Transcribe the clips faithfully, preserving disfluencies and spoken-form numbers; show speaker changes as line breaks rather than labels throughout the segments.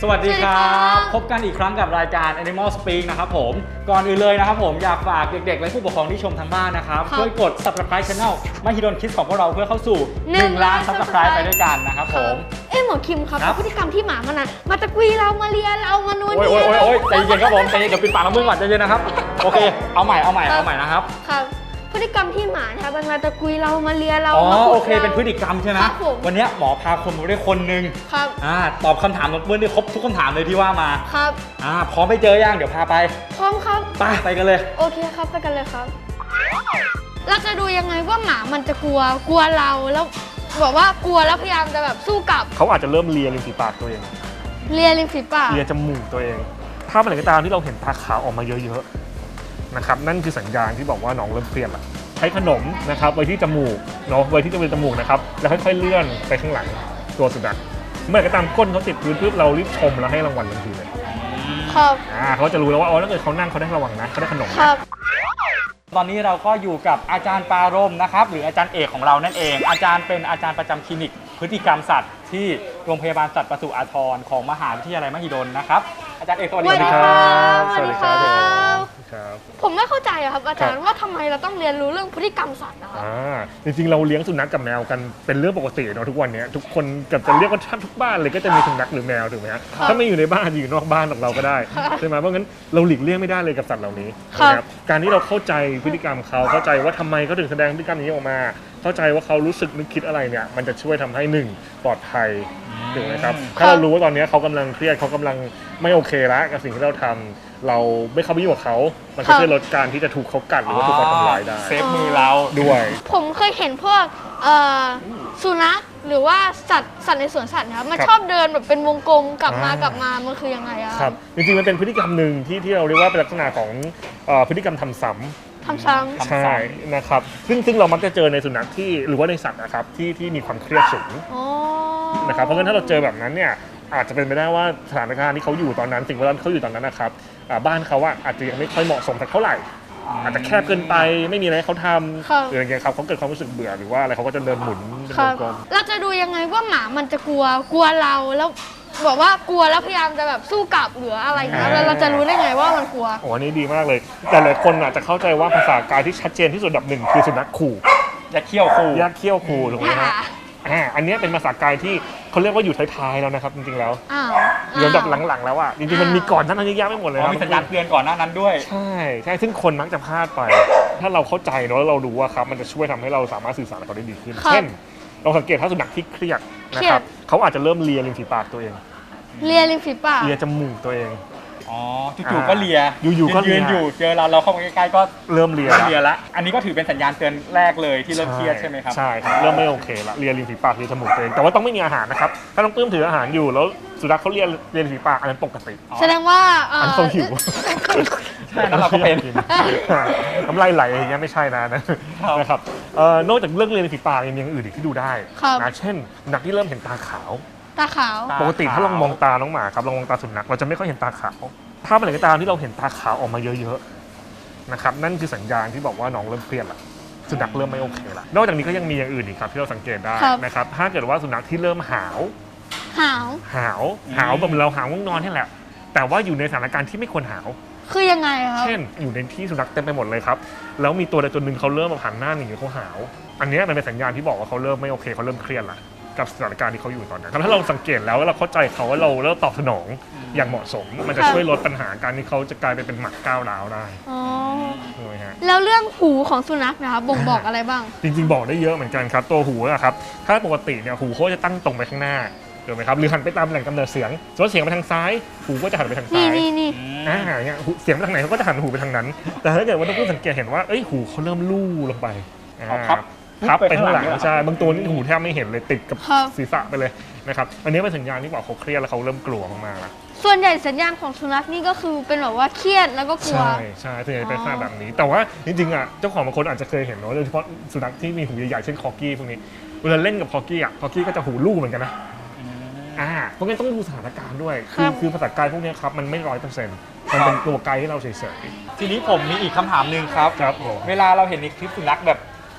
วัสดีครับพบกันอีกครั้งกับรายการ Animal Speak นะครับผมก่อนอื่นเลยนะครับผมอยากฝากเด็กๆและผู้ปกครองที่ชมทางบ้านนะครับช่วยกด Subscribe Channel มหิดล Kids ของพวกเราเพื่อเข้าสู่หนึ่งล้าน Subscribe ไปด้วยกันนะครับผม
เอ๊ะหมอคิมครับพฤติกรรมที่หมามันนะมาตะกุยเรามาเลียเรามานวลเนีย
โอ้ยโอ้ยโอ้ยใจเย็นครับผมใจเย็นเดี๋ยวปิดปากน้ำมึงก่อนใจเย็นนะครับโอเคเอาใหม่เอาใหม่เอาใหม่นะครับ
ครับพฤติกรรมที่หมานะครับมันมาตะกุยเรามาเลียเรา
อ๋อโอเคเป็นพฤติกรรมใช่ไหมวันนี้หมอพาคนมาด้วยคนหนึ่ง
ครับ
อ่าตอบคำถามเมื่อนี้ครบทุกคำถามเลยที่ว่ามา
ครับ
อ่าพร้อมไปเจอยังเดี๋ยวพาไป
พร้อมครับ
ไปไปกันเลย
โอเคครับไปกันเลยครับเราจะดูยังไงว่าหมามันจะกลัวกลัวเราแล้วบอกว่ากลัวแล้วพยายามจะแบบสู้กลับ
เขาอาจจะเริ่มเลียริมฝีปากตัวเอง
เลียริมฝีปาก
เลียจมูกตัวเองถ้าเมื่อไหร่ก็ตามที่เราเห็นตาขาวออกมาเยอะๆนะครับนั่นคือสัญญาณที่บอกว่าน้องเริ่มเครียดละใช้ขนมนะครับไว้ที่จมูกเนาะไว้ที่จมูกนะครับแล้วค่อยๆเลื่อนไปข้างหลังตัวสุนัขเมื่อไหร่ก็ตามก้นเขาติดพื้นปุ๊บเรารีบชมแล้วให้รางวัลทันทีเลย
ครับ
อ่าเขาจะรู้แล้วว่าอ๋อถ้าเกิดเขานั่งเขาได้ระวังนะเขาได้ขนม
ครับ
ตอนนี้เราก็อยู่กับอาจารย์ปารมนะครับหรืออาจารย์เอกของเรานั่นเองอาจารย์เป็นอาจารย์ประจำคลินิกพฤติกรรมสัตว์ที่โรงพยาบาลสัตว์ปศุอาทรของมหาวิทยาลัยมหิดลนะครับอาจารย์เอกสวัสดี
ครับสวัสดีครับ
ครับ
ผมไม่เข้าใจครับอาจารย์ว่าทำไมเราต้องเรียนรู้เรื่องพฤติกรรมสัตว์นะครับ
อ่าจริงๆเราเลี้ยงสุนัขกับแมวกันเป็นเรื่องปกติเนาะทุกวันนี้ทุกคนเกือบจะเรียกว่าทุกบ้านเลยก็จะมีสุนัขหรือแมวถูกไหมฮะถ้าไม่อยู่ในบ้านอยู่นอกบ้านของเราก็ได้ใช่ไหมเพราะงั้นเราหลีกเลี่ยงไม่ได้เลยกับสัตว์เหล่านี้นะครับการที่เราเข้าใจพฤติกรรมเขาเข้าใจว่าทำไมเขาถึงแสดงพฤติกรรมนี้ออกมาเข้าใจว่าเขารู้สึกนึกคิดอะไรเนี่ยมันจะช่วยทำให้หนึ่งปลอดภัยถูกไหมครับถ้าเรารู้ว่าตอนนี้เขากำลังเครียดเขากำลังไม่โอเคแล้วกับสิ่งที่เราทำเราไม่เข้าไปยุ่งกับเขามันก็ช่วยลดการที่จะถูกเขากัดหรือว่าถูกเขาทำร้ายได้
เซฟมือเรา
ด้วย
ผมเคยเห็นพวกสุนัขหรือว่าสัตว์สัตว์ในสวนสัตว์นะครับมันชอบเดินแบบเป็นวงกลมกลับมากลับมามันคือยังไงอะ
ครับจริงๆมันเป็นพฤติกรรมหนึ่งที่ที่เราเรียกว่าเป็นลักษณะของพฤติกรรมทำซ้ำ
ทำซ้
ำใช่นะครับซึ่งซึ่งเรามักจะเจอในสุนัขที่หรือว่าในสัตว์นะครับที่ที่มีความเครียดสูงนะครับเพราะฉะนั้นถ้าเราเจอแบบนั้นเนี่ยอาจจะเป็นไปได้ว่าสถานการณ์ที่เขาอยู่ตอนนั้นสิ่งแวดล้อมที่เขาอยู่ตอนนั้นนะครับบ้านเขาอะอาจจะยังไม่ค่อยเหมาะสมสักเท่าไหร่อาจจะแคบเกินไปไม่มีอะไรให้เขาทำหรืออย่างเงี้ยครับเขาเกิดความรู้สึกเบื่อหรือว่าอะไรเขาก็จะเดินหมุนเป็นวงกลม
เราจะดูยังไงว่าหมามันจะกลัวกลัวเราแล้วบอกว่ากลัวแล้วพยายามจะแบบสู้กลับหรืออะไรอย่างเงี้ยเราจะรู้ได้ไงว่ามันกลัว
โอ้อันนี้ดีมากเลยแต่หลายคนอาจจะเข้าใจว่าภาษากายที่ชัดเจนที่สุดอันดับหนึ่งคือสุนัขขู่
ยักเขี้ยวขู่
ยักเขี้ยวขู่ถูกไหมฮะอ่าอันนี้เป็นภาษากายที่เขาเรียกว่าอยู่ท้ายๆแล้วนะครับจริงๆแล้วเรื่องแบบหลังๆแล้วอ่ะจริงๆมันมีก่อนหน้านั้นเยอะแยะไปหมดเลย
มีสัญญาณเตือนก่อนหน้านั้นด้วย
ใช่ใช่ซึ่งคนมักจะพลาดไปถ้าเราเข้าใจเนาะแล้วเรารู้ว่าครับมันจะช่วยทำให้เราสามารถสื่อสารกับเขาได้ดีขึ้นเช่นเราสังเกตถ้าสุนัขที่เครียดนะครับเขาอาจจะเริ่มเลียริมฝีปากตัวเอง
เลียริมฝีปาก
เลียจมูกตัวเอง
อ๋อจู่ๆก็เลีย
อยู่ๆก็
ยืนอยู่เจอเราเราเข้าไปใกล้ๆก็
เริ่มเลีย
เลียละอันนี้ก็ถือเป็นสัญญาณเตือนแรกเลยที่เริ่มเครียดใช่ไหมครับ
ใช่ครับเริ่มไม่โอเคละเลียริมฝีปากเลียจมูกตัวเองแต่ว่าต้องไม่มีอาหารนะครับถ้าต้องปื้มถืออาหารอยู่แล้วสุนัขเขาเลียเลียริมฝีปากอันนั้นปกติ
แสดงว่า
อันเขาหิว
ใช่แล้วเราก็เป็น
น้ำลายไหลอย่างเงี้ยไม่ใช่นะนะครับนอกจากเรื่องเลียริมฝีปากยังมีอย่างอื่นอีกที่ดูได้นะเช่นนักที่เริ่มเห็นตาขาว
ตาขาว
ปกติถ้าลองมองตาน้องหมาครับลองมองตาสุนัขเราจะไม่ค่อยเห็นตาขาวถ้าเมื่อไหร่ก็ตามที่เราเห็นตาขาวออกมาเยอะๆนะครับนั่นคือสัญญาณที่บอกว่าน้องเริ่มเครียดละสุนัขเริ่มไม่โอเคละนอกจากนี้ก็ยังมีอย่างอื่นอีกครับที่เราสังเกตได้นะครับถ้าเกิดว่าสุนัขที่เริ่มหาว
หาว
หาวหาวแบบเราหาวง่วงนอนนี่แหละแต่ว่าอยู่ในสถานการณ์ที่ไม่ควรหาว
คือยังไงครับ
เช่นอยู่ในที่สุนัขเต็มไปหมดเลยครับแล้วมีตัวใดตัวหนึ่งเขาเริ่มมาหันหน้าหนีเขาหาวอันนี้มันเป็นสัญญาณที่บอกว่าเขาเริ่มไม่โอเคเขาเริ่มเครียดละกับสถานการณ์ที่เขาอยู่ตอนนั้นถ้าเราสังเกตแล้วเราเข้าใจเขาว่าเราเริ่มตอบสนองอย่างเหมาะสมมันจะช่วยลดปัญหาการที่เขาจะกลายไปเป็นหมัดก้าวร้าวได้
อ๋อ
ใช่ไหมฮะ
แล้วเรื่องหูของสุนัขนะครับบ่งบอกอะไรบ้าง
จริงๆบอกได้เยอะเหมือนกันครับตัวหูนะครับถ้าปกติเนี่ยหูเขาจะตั้งตรงไปข้างหน้าถูกไหมครับหรือหันไปตามแหล่งกำเนิดเสียงสมมติเสียงไปทางซ้ายหูก็จะหันไปทางซ้าย
นี่นี่
อ่าเนี่ยเสียงไปทางไหนเขาก็จะหันหูไปทางนั้นแต่ถ้าเกิดว่าต้องสังเกตเห็นว่าเอ้ยหูเขาเริ่มลู่ลงไป
ครับ
พับไปข้างหลังใช่บางตัวนี่หูแทบไม่เห็นเลยติดกับศีรษะไปเลยนะครับอันนี้เป็นสัญญาณที่บอกเขาเครียดแล้วเขาเริ่มกลัวมากๆแล้ว
ส่วนใหญ่สัญญาณของสุนัขนี่ก็คือเป็นแบบว่าเครียดแล้วก็กลัว
ใช่ใช่ส่วนใหญ่เป็นลักษณะแบบนี้แต่ว่าจริงๆอ่ะเจ้าของบางคนอาจจะเคยเห็นเนาะโดยเฉพาะสุนัขที่มีหูใหญ่ๆเช่นคอกี้พวกนี้เวลาเล่นกับคอกี้อ่ะคอกี้ก็จะหูลู่เหมือนกันนะอ่าเพราะงั้นต้องดูสถานการณ์ด้วยคือคือภาษากายพวกนี้ครับมันไม่ร้อยเปอร์เซ็นต์มันเป็นตัวไกด์ให้เราเฉยๆ
ทีนี้ผมมีอีกคำถามหนึ่งครับ
ครับ
เวลาเราเห็นในคลิปสุนัขแบบ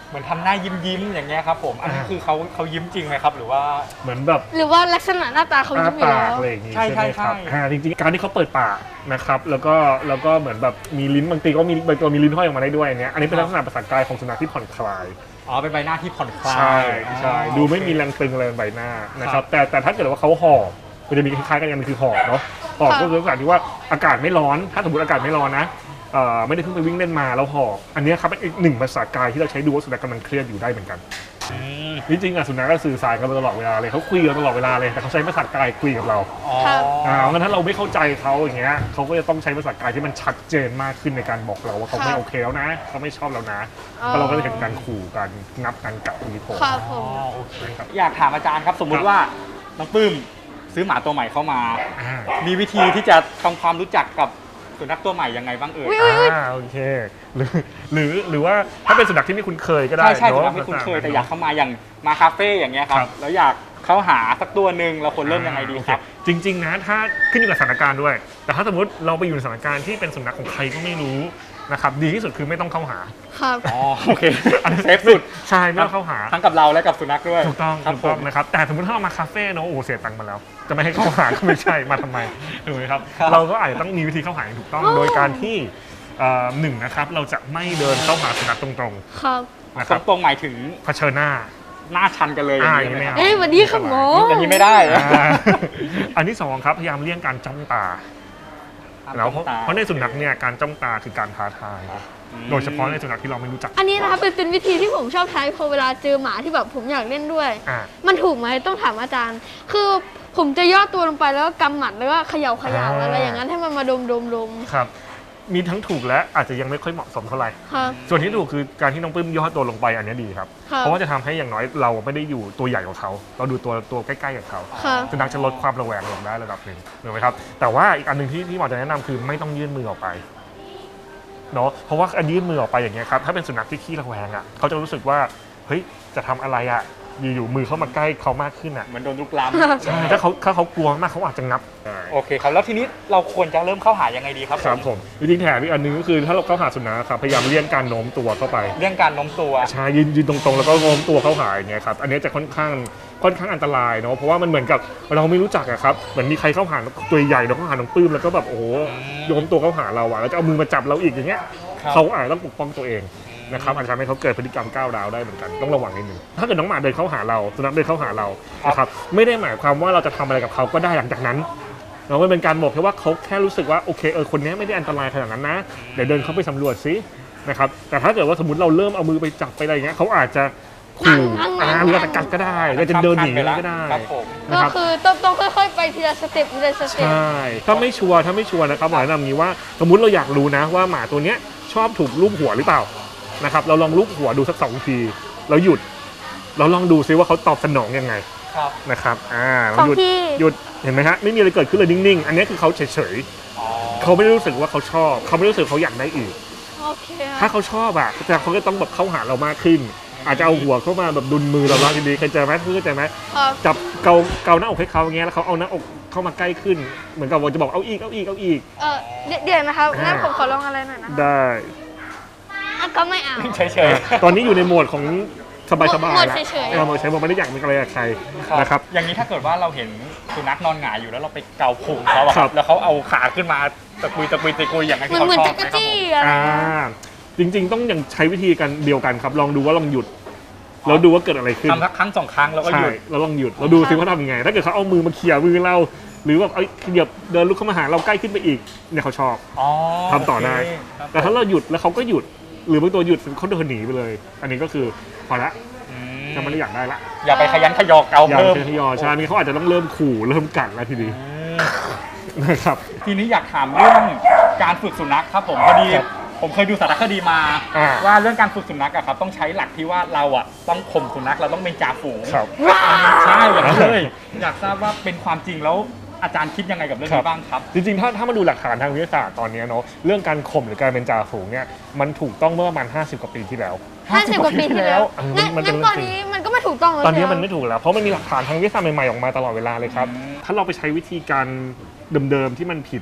เหมือนทำหน้ายิ้มยิ้มๆอย่างเงี้ยครับผมอันนี้
อ่า
คือเขาเขายิ้มจริงไหมครับหรือว่า
เหมือนแบบ
หรือว่าลักษณะหน้าตาเขา
อ้า
ยิ้มอยู่
ปา
แล้
ก
ว
อะไรอย่างงี้
ใช่
ใช่ไหมครับ
ใช่ใช่
อ่าจริงๆการที่เขาเปิดปากนะครับแล้วก็แล้วก็เหมือนแบบมีลิ้นบางทีก็มีบางตัวมีลิ้นห้อยออกมาได้ด้วยอันเนี้ยอันนี้เป็นลักษณะภาษากายของสุนัขที่ผ่อนคลาย
อ๋อเป็นใบหน้าที่ผ่อนคลาย
ใช่ใช่
อ๋อ
ดูไม่
โอเค
มีแรงตึงอะไรบนใบหน้านะค
ครั
รับบ แต่แต่ถ้าเกิดว่าเขาหอบมันจะมีคล้ายๆกันอย่างนึงคือหอบเนาะหอบ
ค่ะ
ก็คือลักษณะที่ว่าอากาศไม่ร้อนถ้าสมมติอากาศไม่ร้อนนะเอ่อไม่ได้เพิ่งไปวิ่งเล่นมาแล้วหอบอันเนี้ยครับเป็นอีกหนึ่งภาษากายที่เราใช้ดูว่าสุนัขกำลังเครียดอยู่ได้เหมือนกัน
อืม
จริงๆอ่ะสุนัขก็สื่อสารกันมาตลอดเวลาเลยเขาคุยกันตลอดเวลาเลยแต่เขาใช้ภาษากายคุยกับเรา
อ๋อ
ครับ
อ่างั้นถ้าเราไม่เข้าใจเขาอย่างเงี้ยเขาก็จะต้องใช้ภาษากายที่มันชัดเจนมากขึ้นในการบอกเราว่าเขาไม่โอเคแล้วนะเขาไม่ชอบเรานะแล้วเราก็จะเห็นการขู่กันงับกันกัดทีโผล่
ครับผ
อ๋อ
ม
โอเคครับอยากถามอาจารย์ครับ สมมุติว่าน้องปื้มซื้อหมาตัวใหม่เข้ามา
อ่า
มีวิธีที่จะทำความรู้จักกับสุนัขตัวใหม่ยังไงบ้างเอ่ย
อุ๊ย
อ่าโอเคหรือหรือหรือว่าถ้าเป็นสุนัขที่ไม่คุ้นเคยก็ได้
ใช่ใช่
เน
สุ
อะ
นัขไม่คุ้นเคยแต่อยากเข้ามาอย่างมาคาเฟ่อย่างเงี้ยครั
ครับ บ
แล้วอยากเข้าหาสักตัวหนึ่งเราควรเริ่มยังไงดีครับ
โอเจริง ๆ นะถ้าขึ้นอยู่กับสถานการณ์ด้วย แต่ถ้าสมมติเราไปอยู่ในสถานการณ์ที่เป็นสุนัขของใครก็ไม่รู้นะครับดีที่สุดคือไม่ต้องเข้าหา
ครับ
อ๋อโอเคอันนี้เซฟสุด
ใช่ไม่ต้องเข้าหา
ทั้งกับเราและกับสุนัขด้วย
ถูกต้อง
ครับ
ถูก
ผ
ต้อง
ม
นะครับแต่สมมติถ้าเรามาคาเฟ่เนอะโอ้โหเสียตังค์มาแล้ว จะไม่ให้เข้าหาก็ไม่ใช่มาทำไมถูกไหมครับ
ครับ
เราก็อาจจะต้องมีวิธีเข้าหาอย่างถูกต้อง
อ๋อ
โดยการที่เอ่อหนึ่งนะครับเราจะไม่เดินเข้าหาสุนัขตรง
ครับ
ๆนะครับ
ตรงๆหมายถึง
เผชิญหน้า
หน้าชันกันเลยอย่าง
อ่า
นี้ไหม
อย่างนี้ไม่
ครับ
เอา
เอ้ยสวัสดีครับหมอ
อย่างนี้ไม่ได้
อ่าอันที่สองครับพยายามเลี่ยงการจ้องตาแล้วเพราะเพราะในสุนัขเนี่ยการจ้องตาคือการท้าทายโดยเฉพาะในสุนัขที่เราไม่รู้จัก
อันนี้นะครับเป็นเป็นวิธีที่ผมชอบใช้พอเวลาเจอหมาที่แบบผมอยากเล่นด้วย
อ่า
มันถูกไหมต้องถามอาจารย์ คือผมจะย่อตัวลงไปแล้วก็กำหมัดแล้วก็เขย่าเขย่า
อ่า
อะไรอย่างนั้นให้มันมาดมดมดม
ครับมีทั้งถูกและอาจจะยังไม่ค่อยเหมาะสมเท่าไหร่
ครับ
ส่วนที่ถูกคือการที่น้องปื้มย่อตัวลงไปอันนี้ดีครับ
ครับ
เพราะว่าจะทำให้อย่างน้อยเราไม่ได้อยู่ตัวใหญ่กว่าเขา เราดูตัวตัวใกล้ๆกับเขา
ครับ
สุนัขจะลดความระแวงลงได้ระดับหนึ่งถูกไหมครับแต่ว่าอีกอันหนึ่งที่ที่หมอจะแนะนำคือไม่ต้องยื่นมือออกไปเนาะเพราะว่าอันยื่นมือออกไปอย่างเงี้ยครับถ้าเป็นสุนัขที่ขี้ระแวงอ่ะเขาจะรู้สึกว่าเฮ้ยจะทำอะไรอ่ะอยู่ๆมือเข้ามาใกล้เขามากขึ้นอ่ะ
เหมือนโดนลุกล้
ใช่ถ้าเขาถ้าเขากลัวมากเขาอาจจะงับ
ำโอเคครับแล้วทีนี้เราควรจะเริ่มเข้าหายังไงดีครับ
ครับผมจริงๆแถมอีกอันหนึงก็คือถ้าเราเข้าหาสุนัขครับพยายามเลี่ยงการโน้มตัวเข้าไป
เรื่องการโน้มตัว
ใช่ยืนยืนตรงๆแล้วก็โน้มตัวเข้าหาอย่างเงี้ยครับอันนี้จะค่อนข้างค่อนข้างอันตรายเนาะเพราะว่ามันเหมือนกับเราไม่รู้จักอะครับเหมือนมีใครเข้าหาตัวใหญ่เราเข้าหาน้องปื้มแล้วก็แบบโอ้โหโน้มตัวเข้าหาเราอะแล้วจะเอามือมาจับเราอีกอย่างเงี้ย
ครับ
เขาอาจจะต้องปกป้องตัวเองนะครับอาจจะทำให้เขาเกิดพฤติกรรมก้าวร้าวได้เหมือนกันต้องระวังนิดนึงถ้าเกิดน้องหมาเดินเข้าหาเราสุนัขเดินเข้าหาเรานะครับไม่ได้หมายความว่าเราจะทำอะไรกับเขาก็ได้หลังจากนั้นเราไม่เป็นการบอกแค่ว่าเขาแค่รู้สึกว่าโอเคเออคนนี้ไม่ได้อันตรายขนาดนั้นนะเดี๋ยวเดินเข้าไปสำรวจซินะครับแต่ถ้าเกิดว่าสมมติเราเริ่มเอามือไปจับไปอะไรอย่างเงี้ยเขาอาจจะขู่อ่าหรืออาจจะกัดก็ได้หรือจะเดินหนีก็ได้
ครับผม
นะ
ก็
ครับ
คือต้องต้องค่อยๆไปทีละสเต็ปทีละสเต็ป
ใช่ถ้าไม่ชัวร์ถ้าไม่ชัวร์นะครับหมอแนะนำนี้ว่าสมมุติเราอยากรู้นะว่าหมาตัวเนี้ยชอบถูกลูบหัวหรือเปล่านะครับเราลองลูบหัวดูสักสองทีแล้วหยุดเราลองดูซิว่าเขาตอบสนองยังไง
ครับ
นะครับอ่า
สอง
หยุด
ที
หยุดเห็นไหมฮะไม่มีอะไรเกิดขึ้นเลยนิ่งๆ อันนี้คือเขาเฉย
อ๋อ
ๆเขาไม่ได้รู้สึกว่าเขาชอบเขาไม่ได้รู้สึกเขาอยากได้อีก
โอเคค
ถ้า
รับ
เขาชอบอ่ะแต่เขาก็ต้องแบบเข้าหาเรามากขึ้น อาจจะเอาหัวเข้ามาแบบดุลมือเราบ้างดีๆเคยเจอไหมเคยเจอไหม
ครับ
จับเกาเกาหน้าอกให้เขาอย่างเงี้ยแล้วเขาเอาหน้าอกเข้ามาใกล้ขึ้น เหมือนกับว่าจะบอกเอาอีกเอาอีกเอาอีก
เออเดี๋ยวเดี๋ยวนะครับ
อ่างั้
งั้นผมขอลองอะไรหน่อยนะ
ได้
อ่ะก็ไม่เอา
เฉย
อ่ะตอนนี้อยู่ในโหมดของสบายๆ
โหมด
แล้ว
เฉยๆ
เออโหมดเฉยๆไม่ได้อยากมีอะไรกับใคร
ๆ
นะครับ
อย่างนี้ถ้าเกิดว่าเราเห็นสุนัขนอนหงายอยู่แล้วเราไปเกาพุงเขาอะค
ครั
รับบ แล้วเขาเอาขาขึ้นมาตะกุยตะกุยตะกุยอย่างนั้น
เหมื
ที่
อนเหมือน
เขาชอ
จั
บ
ก
ไหม
ร
ครับ
จี้
ผม
อะไร
อ่าจริงๆต้องยังใช้วิธีกันเดียวกันครับ ลองดูว่าลองหยุดแล้วดูว่าเกิดอะไรขึ้น
ทำสักครั้งสองครั้งแล้วก็ห
ใช่
ยุด
เราลองหยุดเราดูซิว่าทำยังไง ถ้าเกิดเขาเอามือมาเขี่ยมือเรา หรือแบบเอ้ยเดี๋ยวเดินลุกเข้ามาหาเราใกล้ขึ้นไปอีกเนี่ยเขาชอบ
อ๋อ
ทำต่อได้
โเคครับ
แต่ถ้าเราหยุดแล้วเขาก็หยุด หรือบางตัวหยุดเขาเดินหนีไปเลย อันนี้ก็คือพอละ
อืม
จะไม่ได้อยากได้ละ
อย่าไปขยันขยอเกา
อย่า
เพิ่ม
เป็นทยอยใช่นี่เขาอาจจะต้องเริ่มขู่เริ่มกัดแล้วทีนี้
อืม
นะครับ
ทีนี้อยากถามเรื่องการฝึกสุนัขครับผมพอดี
ครับ
ผมเคยดูสารคดีมา
อ่า
ว่าเรื่องการฝึกสุนัขอะครับต้องใช้หลักที่ว่าเราอะต้องข่มสุนัขเราต้องเป็นจ่าฝูง
ครับ
ใช่อย่างนั้นเลยอยากทราบว่าเป็นความจริงแล้วอาจารย์คิดยังไงกับเรื่อง
ครั
นี้
บ
บ้างครับ
จริงๆ ถ้าถ้ามาดูหลักฐานทางวิทยาศาสตร์ตอนนี้เนาะเรื่องการข่มหรือการเป็นจ่าฝูงเนี่ยมันถูกต้องเมื่อประมาณห้าสิบกว่าปีที่แล้ว
ห้าสิบกว่าปีที่แล้ว
เออ
งั้น
มันเป็น
งั้นตอนนี้มันก็ไม่ถูกต้องแล้ว
ตอนนี้
ใช่ไห
มันไม่ถูกแล้วเพราะมันมีหลักฐานทางวิทยาศาสตร์ใหม่ๆออกมาตลอดเวลาเลยครับ
อืม
ถ้าเราไปใช้วิธีการเดิมๆที่มันผิดอ่ะ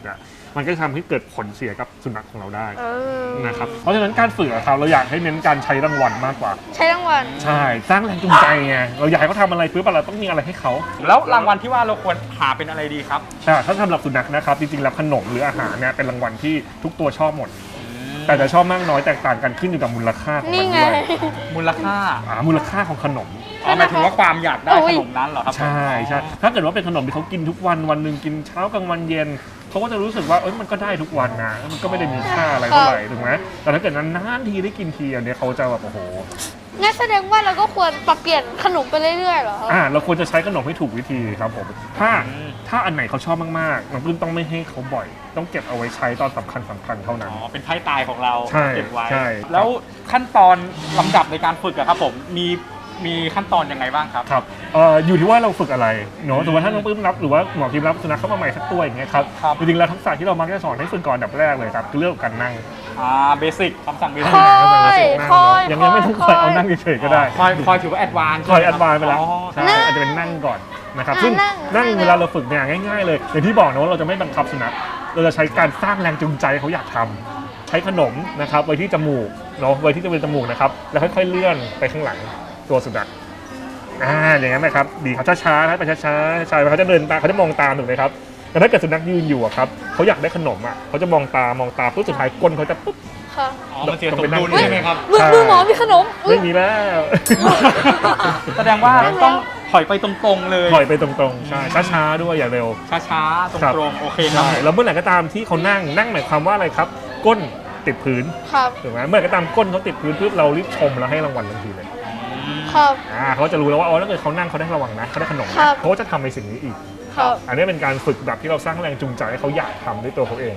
มันก็จะทำให้เกิดผลเสียกับสุนัขของเราได้
เออ
นะครับเพราะฉะนั้นการฝึกอะครับเราอยากให้เน้นการใช้รางวัลมากกว่า
ใช้รางวัล
ใช่สร้างแรงจูงใจไงเราอยากให้เขาทำอะไรปุ๊บเราต้องมีอะไรให้เขา
แล้วรางวัลที่ว่าเราควรหาเป็นอะไรดีครับ
ใช่ถ้าสำหรับสุนัขนะครับจริงๆแล้วขนมหรืออาหารเนี่ยเป็นรางวัลที่ทุกตัวชอบหมด แต่จะชอบมากน้อยแตกต่างกันขึ้นอยู่กับมูลค่าของ
นี่
มัน
ไง
ด้วย
มูลค่า
อ่ามูลค่าของขนม
อ๋อหมายถึงว่าความอยากได้
โอ้
ข
ย
นมนั้นเหรอครับ
ใช่ใช่ถ้าเกิดว่าเป็นขนมที่เขากินทุกวันวันหนึ่งกินเช้ากลางวันเย็นเขาก็จะรู้สึกว่าเอ้ยมันก็ได้ทุกวันนะมันก็ไม่ได้มีค่าอะไรเท่าไหร่ถูกไหมแต่ถ้าเกิดนานๆทีได้กินทีอันเนี้ยเขาจะแบบโอ้โห
งั้นแสดงว่าเราก็ควรปรับเปลี่ยนขนมไปเรื่อยๆเหรอครับ
อ่าเราควรจะใช้ขนมให้ถูกวิธีครับผมถ้าถ้าอันไหนเขาชอบมากๆน้องปลื้มต้องไม่ให้เขาบ่อย ต้องเก็บเอาไว้ใช้ตอนสำคัญสำคัญเท่านั้น
อ๋อเป็นไพ่ตายของเรา
ใช่
เก็บไว้
ใช่
แล้วขั้นตอนลำดับในการฝึกอะครับผมมีมีขั้นตอนยังไงบ้างครับ
ครับเอ่ออยู่ที่ว่าเราฝึกอะไรเนาะสมมติว่าถ้าน้องปลื้มรับหรือว่าหมอพิมรับสุนัขเข้ามาใหม่สักตัวอย่างเงี้ยครับ
ครับ
จริงๆแล้วทักษะที่เรามักจะสอนให้ฝึกก่อนอันดับแรกเลยครับคือเรื่องของการนั่ง
อ่าเบสิกคำสั่งเบสิ
ค
ก
อย
นั่ง
คอย
ยังยังไม่ต้องคอยเอานั่งเฉยๆก็ได้
คอยคอยถือว่าแอดวานซ์
คอยแอดวานซ์ไปแล้ว
อ๋อ
ใช่
นั่ง
อาจจะเป็นนั่งก่อนนะครับ
อ่า
ซึ่ง
นั่ง
นั่ง
นั่ง
เวลาเราฝึกเนี่ยง่ายๆเลยอย่างที่บอกนะว่าเราจะไม่บังคับสุนัขเราจะใช้การสร้างแรงจูงใจให้เขาอยากทำใช้ขนมนะครับไว้ที่จมูกเนาะไว้ที่จะเป็นจมูกนะครับแล้วค่อยๆเลื่อนไปข้างหลังตัวสุนัขอ่าอย่างนั้นนะครับดีเขาช้าๆนะไปช้าๆช้าๆเขาจะเดินตามเขาจะมองตามถูกไหมครับแต่ถ้าเกิดสุนัขยืนอยู่อะครับเขาอยากได้ขนมอ่ะเขาจะมองตามองตาปุ๊บสุดท้ายก้นเขาจะปุ๊บ
ค่ะ
อ๋อมันเสียสมดุลใช่ไหมครับ
มือมือหมอมีขนมอุ๊ย
ไม่มีแล้ว
แสดงว่า
แล้ว
ต้องถอยไปตรงๆเลย
ถอยไปตรงๆใช่ช้าๆด้วยอย่าเร็ว
ช้าๆ ต
ครับ
รงๆ โอเคครับ
ใช่แล้วเมื่อไหร่ก็ตามที่เขานั่งนั่งหมายความว่าอะไรครับ ก้นติดพื้น
ครับ
ถูกไหมเมื่อไหร่ก็ตามก้นเขาติดพื้นปุ๊บเรารีบชมแล้วให้รางวัลทันทีเลย
ครับ
อ่าเขาจะรู้แล้วว่าอ๋อถ้าเกิดเขานั่งเขาได้ระวังนะเขาได้ขนม
ครั
นะ
บ
เขาก็จะทำในสิ่งนี้อีก
ครับ
อันนี้เป็นการฝึกแบบที่เราสร้างแรงจูงใจให้เขาอยากทำด้วยตัวเขาเอง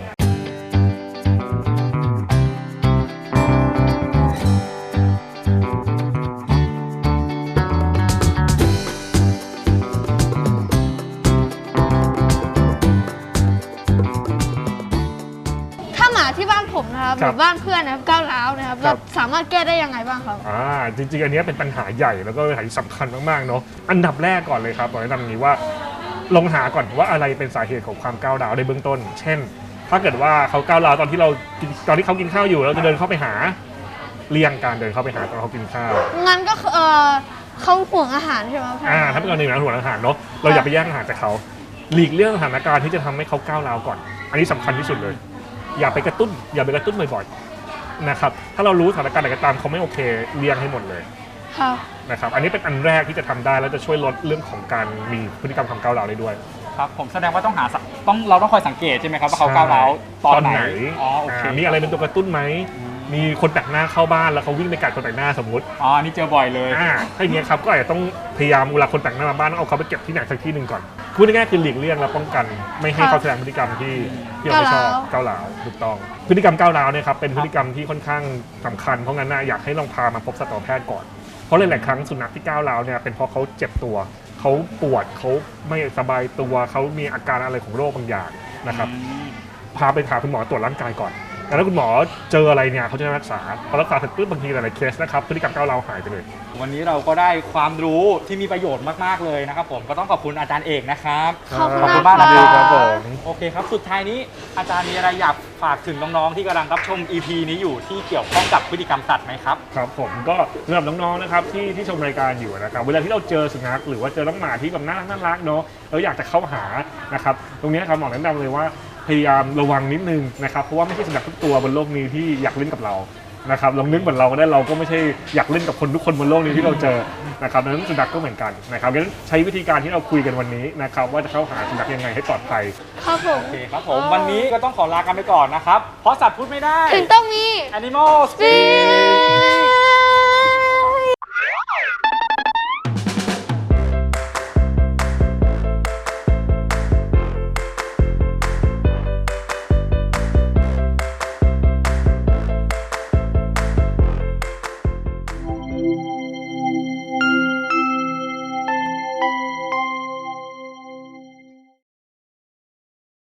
ถ้าหมาที่บ้านผมนะครับห
ครั
รื
บ
อบ้านเพื่อนนะครับก้าวร้าวนะครับ
ครั
เรา
บ
สามารถแก้ได้ยังไงบ้างครับ
อ่าจริงๆ อันนี้เป็นปัญหาใหญ่แล้วก็เป็นปัญหาที่สำคัญมากๆเนาะอันดับแรกก่อนเลยครับบอกแนะนำอย่างนี้ว่าลองหาก่อนว่าอะไรเป็นสาเหตุของความก้าวร้าวในเบื้องต้น เช่น ถ้าเกิดว่าเขาก้าวร้าวตอนที่เรากินตอนที่เขากินข้าวอยู่เราจะเดินเข้าไปหาเลี่ยงการเดินเข้าไปหาตอนเขากินข้าว
งั้นก็คือเออเขาห่วงอาหารใช่ไหมครับ
อ่าถ้าเป็นกรณีนั้นหัวอาหารเนาะเราอย่าไปแย่งอาหารจากเขาหลีกเลี่ยงสถานการณ์ที่จะทำให้เขาก้าวร้าวก่อน อันนี้สำคัญที่สุดเลย อย่าไปกระตุ้น อย่าไปกระตุ้นบ่อยๆนะครับถ้าเรารู้สถานการณ์ไหนก็ตามเขาไม่โอเคเลี่ยงให้หมดเลย
ครับ
นะครับอันนี้เป็นอันแรกที่จะทำได้แล้วจะช่วยลดเรื่องของการมีพฤติกรรมความก้าวร้าวได้ด้วย
ครับ ผมแสดงว่าต้องหาสักต้องเราต้องคอยสังเกตใช่ไหมครับว่าเขาก้าวร้าวตอนไหน อ๋อ โอเค
ามีอะไรเป็นตัวกระตุ้นไหมมีคนแปลกหน้าเข้าบ้านแล้วเขาวิ่งไปกัดคนแปลกหน้าสมมุติ
อ๋ออันนี่เจอบ่อยเลย
อ่าถ้าอย่างเงี้ยครับก็อาจจะต้องพยายามเวลาคนแปลกหน้ามาบ้านต้องเอาเขาไปเก็บที่ไหนสักที่หนึ่งก่อนพูดง่ายๆคือหลีกเลี่ยงและป้องกันไม่ให้เขาแสดงพฤติกรรมที่ที่เราไม่ชอบก้าวร้าวถูกต้องพฤติกรรมก้าวร้าวเนี่ยครับเป็นพฤติกรรมที่ค่อนข้างสำคัญเพราะงั้นนะอยากให้ลองพามาพบสัตวแพทย์ก่อนเพราะหลายๆครั้งสุนัขที่ก้าวร้าวเนี่ยเป็นเพราะเขาเจ็บตัวเขาปวดเขาไม่สบายตัวเขามีอาการอะไรของโรคบางอย่างนะครับพาไปหาคุณหมอตรวจร่างกายก่อนแล้วถ้าคุณหมอเจออะไรเนี่ยเขาจะรักษาพอรักษาเสร็จปุ๊บบางทีหลายๆเคสนะครับพฤติกรรมก้าวร้าวหายไปเลย
วันนี้เราก็ได้ความรู้ที่มีประโยชน์มากๆเลยนะครับผมก็ต้องขอบคุณอาจารย์เอกนะครับ
ขอบคุณ
ขอบคุณ
มาม
าก ก
ค
นะ
รับ
ครับ
ผม
โอเคครับ สุดท้ายนี้อาจารย์มีอะไรอยากฝากถึงน้องๆที่กำลังรับชม อี พี นี้อยู่ที่เกี่ยวข้องกับพฤติกรรมสัตว์ไหมครับ
ครับผมก็สำหรับน้องๆนะครับที่ที่ชมรายการอยู่นะครับเวลาที่เราเจอสุนัขหรือว่าเจอน้องหมาที่แบบน่ารักน่ารักเนาะเราอยากจะเข้าหานะครับตรงนี้ครับหมอแนะนำเลยว่าพยายามระวังนิดนึงนะครับเพราะว่าไม่ใช่สุนัขทุกตัวบนโลกนี้ที่อยากเล่นกับเรานะครับลองนึกเหมือนเราก็ได้เราก็ไม่ใช่อยากเล่นกับคนทุกคนบนโลกนี้ที่เราเจอนะครับดังนั้นสุนัขก็เหมือนกันนะครับงั้นใช้วิธีการที่เราคุยกันวันนี้นะครับว่าจะเข้าหาสุนัขยังไงให้ปลอดภัย
ครับผม
โอเคครับผมวันนี้ก็ต้องขอลากันไปก่อนนะครับเพราะสัตว์พูดไม่ได้
ถึงต้องมี
Animal Speak